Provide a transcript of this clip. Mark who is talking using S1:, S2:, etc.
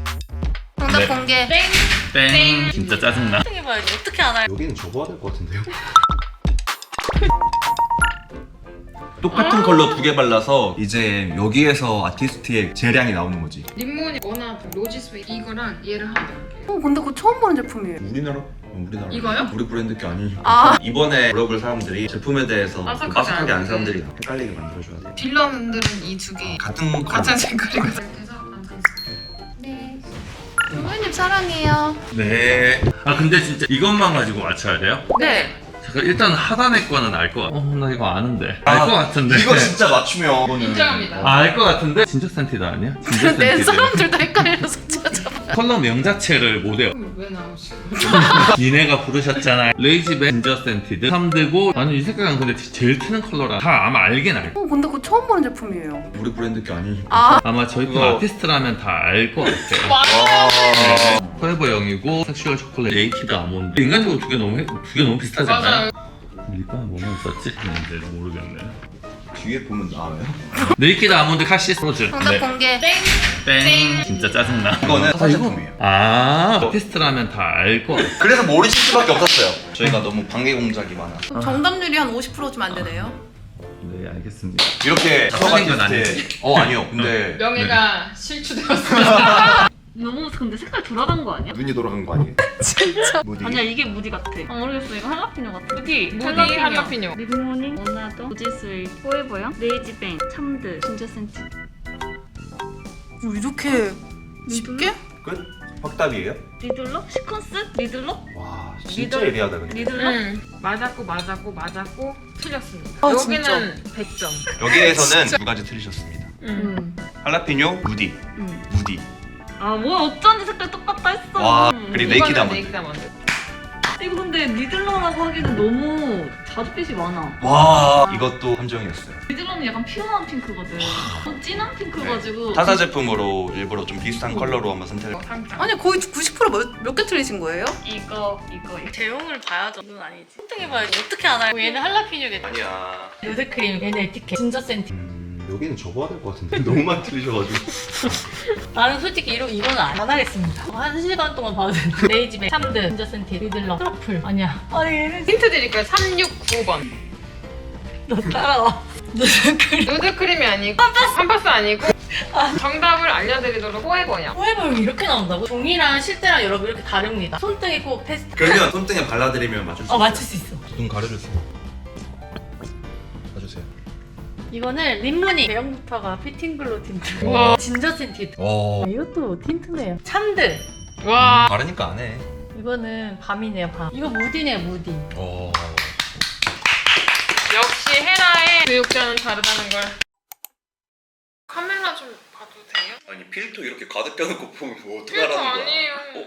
S1: 정답
S2: 네.
S1: 공개.
S2: 땡. 진짜 짜증나.
S1: 해봐야지. 어떻게 알아요?
S3: 여기는 접어야 될 것 같은데요?
S4: 똑같은 컬러 두 개 발라서 이제 여기에서 아티스트의 재량이 나오는 거지.
S5: 립몬이 워낙 로지스웨이 이거랑 얘를 하나 넣을게요.
S1: 근데 그거 처음 보는 제품이에요.
S4: 우리나라
S5: 이거요?
S4: 우리 브랜드 게 아니니까.
S1: 아.
S4: 이번에 물어볼 사람들이 제품에 대해서
S5: 아삭하지
S4: 빠삭하게 아는
S5: 않은데.
S4: 사람들이 헷갈리게 만들어줘야 돼.
S5: 딜러분들은 이 두 개
S4: 같은 컬러.
S5: 같은 색깔이거든요. 그래서 완성했어요.
S1: 네. 부모님 사랑해요.
S2: 네. 아 근데 진짜 이것만 가지고 맞춰야 돼요?
S1: 네.
S2: 잠깐 일단 하단의 거는 알 것 같아. 나 이거 아는데. 알 것 같은데.
S4: 이거 진짜 맞추면 이거는
S5: 인정합니다.
S2: 알 것 같은데? 진저 센티드 아니야? 진저
S1: 내
S2: 센티드.
S1: 사람들도 헷갈려서 찾아봐.
S2: 컬러 명 자체를 못 외워.
S5: 그럼 왜 나오시고?
S2: 니네가 부르셨잖아. 레이지백 진저 센티드 3드고 아니 이 색깔은 근데 제일 튀는 컬러라. 다 아마 알긴 알.
S1: 근데 그거 처음 보는 제품이에요.
S4: 우리 브랜드 게 아니니까.
S1: 아.
S2: 아마 저희 팀
S4: 그거-
S2: 아티스트라면 다 알 것 같아요.
S5: 맞아요.
S2: 포에버 영이고 섹슈얼 초콜릿 네이키드 아몬드. 인간적으로 두 개 너무 비슷하지 않나요?
S5: 맞아요.
S2: 립밤 뭐만 썼지? 이제 모르겠네.
S4: 뒤에 보면 나와요.
S2: 네이키드 아몬드 카시스 로즈.
S1: 정답 공개.
S2: 땡. 진짜 짜증나.
S4: 이거는 사제품이에요
S2: 아 아티스트라면 다 알 것 같아.
S4: 그래서 모르실 수밖에 없었어요. 저희가 너무 방해 공작이 많아.
S1: 그럼 정답률이 한 50%쯤 안 되네요.
S2: 네 알겠습니다.
S4: 이렇게
S2: 틀린 건
S4: 아티스트. 아니요. 근데
S5: 명예가 실추되었습니다.
S6: 너무 근데 색깔 돌아간 거 아니야?
S3: 눈이 돌아간 거 아니에요?
S1: 진짜.
S3: 무디.
S6: 아니야 이게 무디 같아. 모르겠어 이거 할라피뇨 같아. 무디
S5: 할라피뇨.
S6: 리드모닝, 원나더, 로지스웨이, 포에버영, 레이지뱅, 참드, 진저 센티.
S1: 이렇게 쉽게?
S4: 끝? 확답이에요?
S6: 리들러? 시퀀스? 리들러?
S4: 와 진짜
S6: 리더-
S4: 예리하다 근데.
S6: 리들러?
S5: 맞았고 틀렸습니다.
S1: 아,
S5: 여기는 100점.
S4: 여기에서는 두 가지 틀리셨습니다. 할라피뇨, 무디. 무디.
S6: 아 뭐야 어쩐지 색깔 똑같다 했어.
S4: 와, 그리고 네이키드
S5: 이거는
S4: 아몬드.
S5: 네이키드 아몬드.
S6: 이거 근데 리들러라고 하기는 너무 자주빛이 많아.
S4: 와 이것도 함정이었어요.
S6: 리들러는 약간 피어난 핑크거든. 진한 핑크가지고.
S4: 타사 제품으로 일부러 좀 비슷한 컬러로 한번 선택을.
S5: 상장.
S1: 아니 거의 90% 몇 개 틀리신 거예요?
S6: 이거.
S1: 제형을 봐야죠. 이건 아니지. 선택해봐야지. 어떻게 알아요? 얘는 할라피뇨겠다.
S4: 아니야.
S1: 요새 크림, 얘는 에티켓, 진저 센티.
S3: 여기는 접어야 될 것 같은데 너무 많이 틀리셔가지고.
S1: 나는 솔직히 이거는 안 하겠습니다. 1시간 동안 봐도 되는데. 레이지백, 참드, 진저 센티, 리들러, 트러플. 아니야. 아니 얘는
S5: 힌트 드릴까요? 369번.
S1: 너 따라와. 누드크림.
S5: 누드크림이 아니고 팜파스 아니고 정답을 알려드리도록 포에버요.
S1: 포에버용이 이렇게 나온다고? 종이랑 실제랑 여러분 이렇게 다릅니다. 손등에 꼭 테스트.
S4: 그러면 손등에 발라드리면 맞출 수
S1: 맞출 수 있어.
S4: 눈 가려주세요. 봐주세요.
S1: 이거는 립무늬 대형부터가 피팅글로 틴트.
S5: 우와.
S1: 진저 센티.
S4: 오.
S1: 이것도 틴트네요. 참드.
S5: 와.
S4: 바르니까 안 해.
S1: 이거는 밤이네요, 밤. 이거 무디네요, 무디.
S4: 오.
S5: 역시 헤라의 교육자는 다르다는 걸. 카메라 좀 봐도 돼요?
S4: 아니 필터 이렇게 가득 껴놓고 보면 뭐
S5: 필터 아니에요.